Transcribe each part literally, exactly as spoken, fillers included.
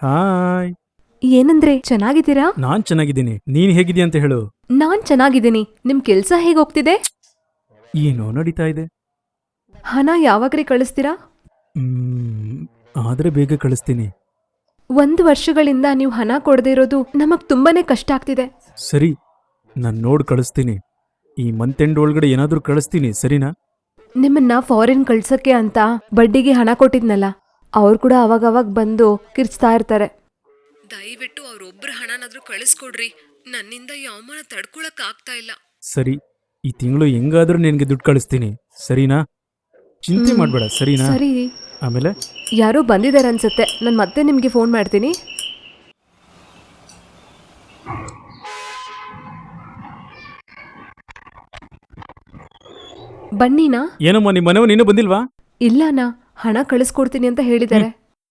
Hi. ಏನಂದ್ರೆ ಚೆನ್ನಾಗಿದ್ದೀರಾ? ನಾನ್ ಚೆನ್ನಾಗಿದ್ದೀನಿ. ನೀನ್ ಹೇಗಿದ್ದೀಯ ಅಂತ ಹೇಳು. ನಾನ್ ಚೆನ್ನಾಗಿದ್ದೀನಿ. ನಿಮ್ ಕೆಲ್ಸ ಹೇಗೋಗ್ತಿದೆ? ಏನೋ ನಡೀತಾ ಇದೆ. ಹಣ ಯಾವಾಗ್ರಿ ಕಳಿಸ್ತೀರಾ? ಹ್ಮ್ ಆದ್ರೆ ಬೇಗ ಕಳಿಸ್ತೀನಿ. ಒಂದು ವರ್ಷಗಳಿಂದ ನೀವು ಹಣ ಕೊಡದೇ ಇರೋದು ನಮಗ್ ತುಂಬಾನೇ ಕಷ್ಟ ಆಗ್ತಿದೆ. ಸರಿ, ನಾನ್ ನೋಡ್ ಕಳಿಸ್ತೀನಿ. ಈ ಮಂತ್ ಎಂಡ್ ಒಳಗಡೆ ಏನಾದ್ರೂ ಕಳಿಸ್ತೀನಿ, ಸರಿನಾ? ನಿಮ್ಮನ್ನ ಫಾರಿನ್ ಕಳ್ಸಕ್ಕೆ ಅಂತ ಬಡ್ಡಿಗೆ ಹಣ ಕೊಟ್ಟಿದ್ನಲ್ಲ, ಅವ್ರು ಕೂಡ ಅವಾಗವಾಗ ಬಂದು ಕಿರ್ಚ್ತಾ ಇರ್ತಾರೆ. ದಯವಿಟ್ಟು ಅವ್ರೊಬ್ರ ಹಣನಾದ್ರೂ ಕಳಿಸ್ಕೊಡ್ರಿ. ನನ್ನಿಂದ ಈ ಅವಮಾನ ತಡ್ಕೊಳಕ್ ಆಗ್ತಾ ಇಲ್ಲ. ಸರಿ, ಈ ತಿಂಗಳು ಹೆಂಗಾದ್ರೂ ನಿನ್ಗೆ ದುಡ್ಡು ಕಳಿಸ್ತೀನಿ, ಸರಿನಾ? ಚಿಂತೆ ಮಾಡ್ಬೇಡ, ಸರಿನಾ? ಸರಿ. ಆಮೇಲೆ ಯಾರೋ ಬಂದಿದ್ದಾರೆ ಅನ್ಸುತ್ತೆ. ನಾನು ಮತ್ತೆ ನಿಮ್ಗೆ ಫೋನ್ ಮಾಡ್ತೀನಿ. ಬನ್ನಿನಾ? ಏನಮ್ಮ, ನಿಮ್ಮ ಮನೆಯವ್ನು ಇನ್ನೂ ಬಂದಿಲ್ವಾ? ಇಲ್ಲನಾ, ಹಣ ಕಳಿಸ್ಕೊಡ್ತೀನಿ ಅಂತ ಹೇಳಿದ್ದಾರೆ.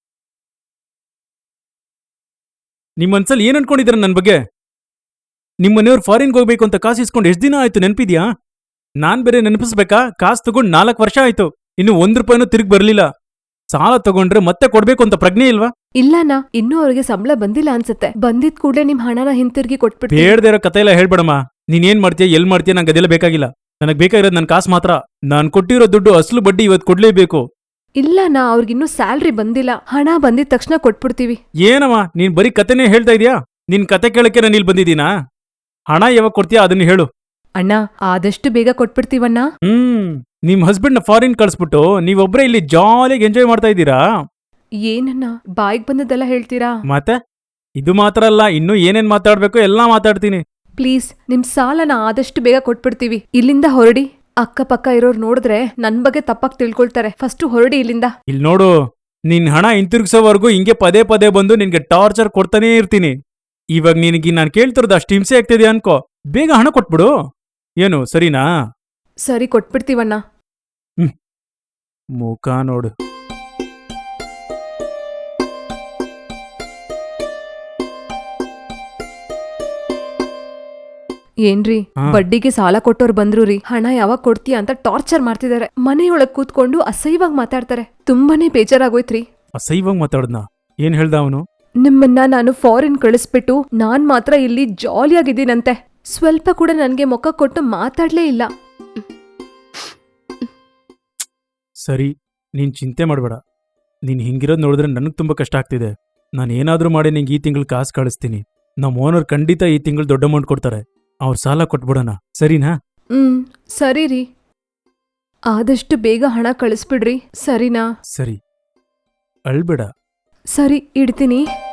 ನಿಮ್ಮ ಮನ್ಸಲ್ಲಿ ಏನ್ ಅನ್ಕೊಂಡಿದಾರೆ ನನ್ನ ಬಗ್ಗೆ? ನಿಮ್ಮ ಮನೆಯವ್ರು ಫಾರಿನ್ಗೆ ಹೋಗ್ಬೇಕು ಅಂತ ಕಾಸು ಇಸ್ಕೊಂಡು ಎಷ್ಟು ದಿನ ಆಯ್ತು, ನೆನಪಿದ್ಯಾ? ನಾನ್ ಬೇರೆ ನೆನಪಿಸ್ಬೇಕಾ? ಕಾಸು ತಗೊಂಡು ನಾಲ್ಕು ವರ್ಷ ಆಯ್ತು, ಇನ್ನು ಒಂದ್ ರೂಪಾಯಿನೂ ತಿರುಗಿ ಬರ್ಲಿಲ್ಲ. ಸಾಲ ತಗೊಂಡ್ರೆ ಮತ್ತೆ ಕೊಡ್ಬೇಕು ಅಂತ ಪ್ರಜ್ಞೆ ಇಲ್ವಾ? ಇಲ್ಲನಾ, ಇನ್ನೂ ಅವ್ರಿಗೆ ಸಂಬಳ ಬಂದಿಲ್ಲ ಅನ್ಸುತ್ತೆ. ಬಂದಿದ್ ಕೂಡಲೇ ನಿಮ್ ಹಣನ ಹಿಂತಿರುಗಿ ಕೊಟ್ಬಿಟ್ಟು. ಬೇಡದೇ ಇರೋ ಕತೆ ಎಲ್ಲ ಹೇಳ್ಬೇಡಮ್ಮ. ನೀನ್ ಏನ್ ಮಾಡ್ತೀಯ, ಎಲ್ ಮಾಡ್ತೀಯ, ನಂಗೆ ಅದೆಲ್ಲ ಬೇಕಾಗಿಲ್ಲ. ನನಗ್ ಬೇಕಾಗಿರೋದು ನನ್ನ ಕಾಸು ಮಾತ್ರ. ನಾನ್ ಕೊಟ್ಟಿರೋ ದುಡ್ಡು ಅಸಲು ಬಡ್ಡಿ ಇವತ್ತು ಕೊಡ್ಲೇಬೇಕು. ಇಲ್ಲನಾ, ಅವ್ರಿಗಿನ್ನೂ ಸ್ಯಾಲ್ರಿ ಬಂದಿಲ್ಲ. ಹಣ ಬಂದಿದ ತಕ್ಷಣ ಕೊಟ್ಬಿಡ್ತೀವಿ. ಏನಮ್ಮ, ನೀನ್ ಬರೀ ಕತೆನೇ ಹೇಳ್ತಾ ಇದೀಯಾ? ನಿನ್ ಕತೆ ಕೇಳಕ್ಕೆ ನಾನು ಇಲ್ಲಿ ಬಂದಿದ್ದೀನಾ? ಹಣ ಯಾವಾಗ ಕೊಡ್ತೀಯಾ ಅದನ್ನ ಹೇಳು. ಅಣ್ಣ, ಆದಷ್ಟು ಬೇಗ ಕೊಟ್ಬಿಡ್ತೀವಣ್ಣ. ಹ್ಮ್ ನಿಮ್ ಹಸ್ಬೆಂಡ್ ನ ಫಾರಿನ್ ಕಳ್ಸ್ಬಿಟ್ಟು ನೀವೊಬ್ರೇ ಇಲ್ಲಿ ಜಾಲಿಯಾಗಿ ಎಂಜಾಯ್ ಮಾಡ್ತಾ ಇದ್ದೀರಾ? ಏನನ್ನ ಬಾಯಿಗೆ ಬಂದದ್ದೆಲ್ಲ ಹೇಳ್ತೀರಾ? ಮತ್ತೆ ಇದು ಮಾತ್ರ ಅಲ್ಲ, ಇನ್ನೂ ಏನೇನ್ ಮಾತಾಡ್ಬೇಕು ಎಲ್ಲಾ ಮಾತಾಡ್ತೀನಿ. ಪ್ಲೀಸ್, ನಿಮ್ ಸಾಲನ ಆದಷ್ಟು ಬೇಗ ಕೊಟ್ಬಿಡ್ತೀವಿ. ಇಲ್ಲಿಂದ ಹೊರಡಿ. ಅಕ್ಕಪಕ್ಕ ಇರೋರು ನೋಡಿದ್ರೆ ನನ್ ಬಗ್ಗೆ ತಪ್ಪಾಗಿ ತಿಳ್ಕೊಳ್ತಾರೆ. ಫಸ್ಟ್ ಹೊರಡಿ ಇಲ್ಲಿಂದ. ಇಲ್ಲಿ ನೋಡು, ನಿನ್ ಹಣ ಹಿಂತಿರುಗಿಸೋವರೆಗೂ ಹಿಂಗೆ ಪದೇ ಪದೇ ಬಂದು ನಿನ್ಗೆ ಟಾರ್ಚರ್ ಕೊಡ್ತಾನೇ ಇರ್ತೀನಿ. ಇವಾಗ ನಿನಗೆ ನಾನು ಕೇಳ್ತಿರೋದು ಅಷ್ಟು ಹಿಂಸೆ ಆಗ್ತಿದೆ ಅನ್ಕೋ. ಬೇಗ ಹಣ ಕೊಟ್ಬಿಡು. ಏನು, ಸರಿನಾ? ಸರಿ, ಕೊಟ್ಬಿಡ್ತೀವಣ್ಣ. ಹ್ಮ್ ಮುಖ ನೋಡು. ಏನ್ರಿ, ಬಡ್ಡಿಗೆ ಸಾಲ ಕೊಟ್ಟೋರು ಬಂದ್ರು ರೀ. ಹಣ ಯಾವಾಗ ಕೊಡ್ತೀಯ ಅಂತ ಟಾರ್ಚರ್ ಮಾಡ್ತಿದ್ದಾರೆ. ಮನೆಯೊಳಗ್ ಕೂತ್ಕೊಂಡು ಅಸಹ್ಯವಾಗಿ ಮಾತಾಡ್ತಾರೆ. ತುಂಬಾನೇ ಬೇಜಾರಾಗೋಯ್ತ್ರಿ. ಅಸಹ್ಯವಾಗಿ ಮಾತಾಡ್ದ? ಏನ್ ಹೇಳ್ದ ಅವನು? ನಿಮ್ಮನ್ನ ನಾನು ಫಾರಿನ್ ಕಳಿಸ್ಬಿಟ್ಟು ನಾನ್ ಮಾತ್ರ ಇಲ್ಲಿ ಜಾಲಿಯಾಗಿದ್ದೀನಂತೆ. ಸ್ವಲ್ಪ ಕೂಡ ನನ್ಗೆ ಮುಖ ಕೊಟ್ಟು ಮಾತಾಡ್ಲೇ ಇಲ್ಲ. ಸರಿ, ನೀನ್ ಚಿಂತೆ ಮಾಡಬೇಡ. ನೀನ್ ಹಿಂಗಿರೋದ್ ನೋಡಿದ್ರೆ ನನಗ್ ತುಂಬಾ ಕಷ್ಟ ಆಗ್ತಿದೆ. ನಾನು ಏನಾದ್ರೂ ಮಾಡಿ ನಿಂಗೆ ಈ ತಿಂಗಳು ಕಾಸು ಕಳಿಸ್ತೀನಿ. ನಮ್ಮ ಓನರ್ ಖಂಡಿತ ಈ ತಿಂಗಳು ದೊಡ್ಡ ಅಮೌಂಟ್ ಕೊಡ್ತಾರೆ. ಅವ್ರ ಸಾಲ ಕೊಟ್ಬಿಡೋಣ, ಸರಿನಾ? ಹ್ಮ್ ಸರಿ ರೀ. ಆದಷ್ಟು ಬೇಗ ಹಣ ಕಳಿಸ್ಬಿಡ್ರಿ, ಸರಿನಾ? ಸರಿ, ಅಳ್ಬೇಡ. ಸರಿ, ಇಡ್ತೀನಿ.